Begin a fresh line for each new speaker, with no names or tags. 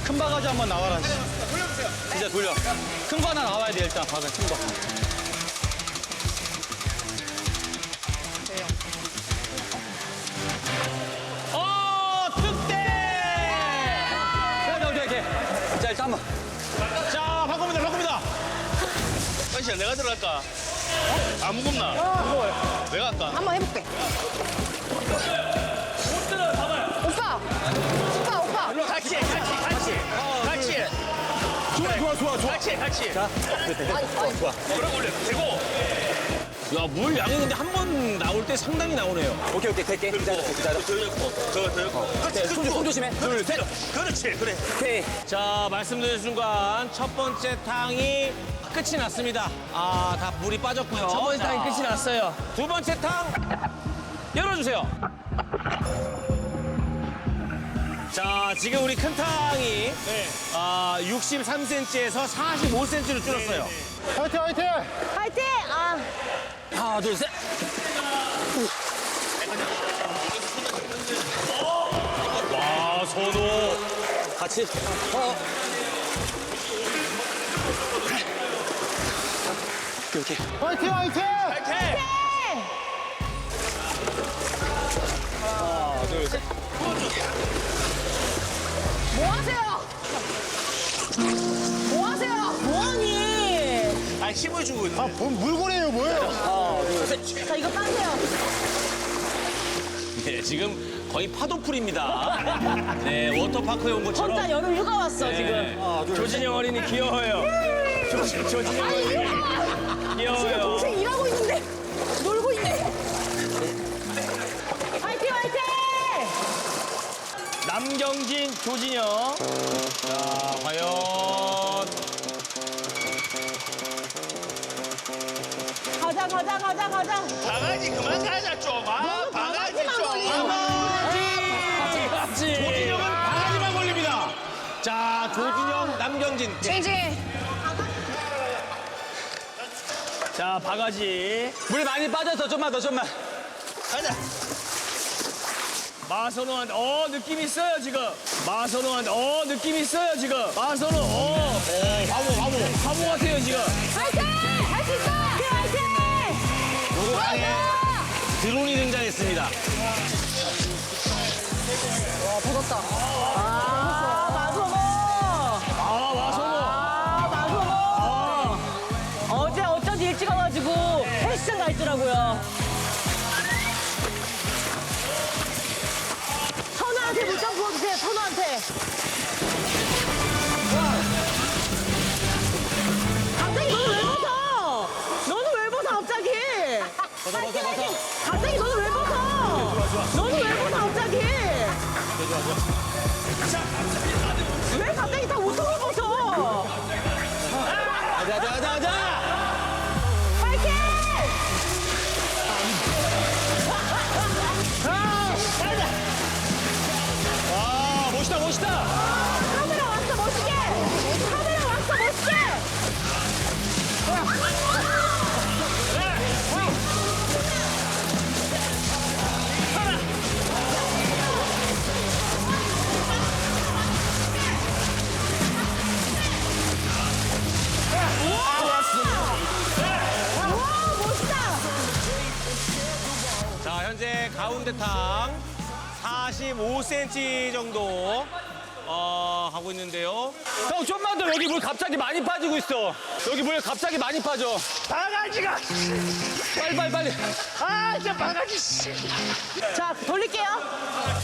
큰 바가지 한번 나와라. 돌려주세요. 진짜 돌려. 큰 거 하나 나와야 돼, 일단. 바가지 큰 거. 뚝대! 오케이. 자, 일단 한번. 자, 바꿉니다, 바꿉니다.
사실 내가 들어갈까? 안 무겁나?
무거워요.
내가 할까?
한번 해볼게. 오빠!
같이. 같이.
자, 좋아.
그럼 올려. 대고.
야, 물 양이 근데 한 번 나올 때 상당히 나오네요.
오케이, 될게. 기다려.
더 엮고. 더 엮고. 그렇지.
손 조심해.
둘, 셋. 그렇지. 그래.
오케이.
자, 말씀드린 순간 첫 번째 탕이 끝이 났습니다. 아, 다 물이 빠졌고요.
첫 번째 탕이 끝이 났어요.
두 번째 탕 열어주세요. 자, 지금 우리 큰 탕이 63cm에서 45cm로 줄었어요.
화이팅!
파이팅! 아,
하나, 둘, 셋. 와, 선호.
같이. 오케이.
파이팅!
뭐 하세요? 뭐 하세요? 뭐하니?
아, 힘을 주고 있네.
물고래예요, 뭐예요?
자, 이거 빠세요.
네, 지금 거의 파도풀입니다. 네, 워터파크에 온 것처럼.
혼자 여름 휴가 왔어, 지금.
조진영 어린이 귀여워요. 조진영
아니,
어린이
지금
귀여워요.
동생 일하고 있는데 놀고 있네. 파이팅!
남경진, 조진영.
자, 과연.
가자.
바가지 그만 가자, 좀. 아, 바가지
바가지만
좀.
걸리네.
같이.
조진영은 바가지만 걸립니다. 자, 조진영, 남경진.
징징.
자, 바가지.
물 많이 빠졌어. 좀만 더.
가자.
마선호한테, 느낌 있어요, 지금. 마선호한테, 느낌 있어요, 지금. 마선호, 화보 같아요, 지금.
파이팅! 할 수 있어! 파이팅!
요거방에 드론이 등장했습니다.
와, 벗었다. 마소모! 마소모! 어제 어쩐지 일찍 와가지고 헬스장 가 있더라고요. 선우한테 물 좀 부어주세요, 선우한테. 갑자기 너는 왜 벗어? 너는 왜 벗어, 갑자기? 갑자기 너는 왜 벗어? 너는 왜 벗어, 갑자기? 왜 갑자기 다 옷을 벗어?
가자.
파이팅!
와, 멋있다.
카메라 왔어, 멋있게! 카메라 왔어, 멋있게! 와, 멋있다!
자, 현재 가운데 탕 45cm 정도 하고 있는데요.
형, 좀만 더. 여기 물 갑자기 많이 빠지고 있어. 여기 물 갑자기 많이 빠져.
바가지가.
빨리.
아, 진짜 바가지. 씨.
자, 돌릴게요.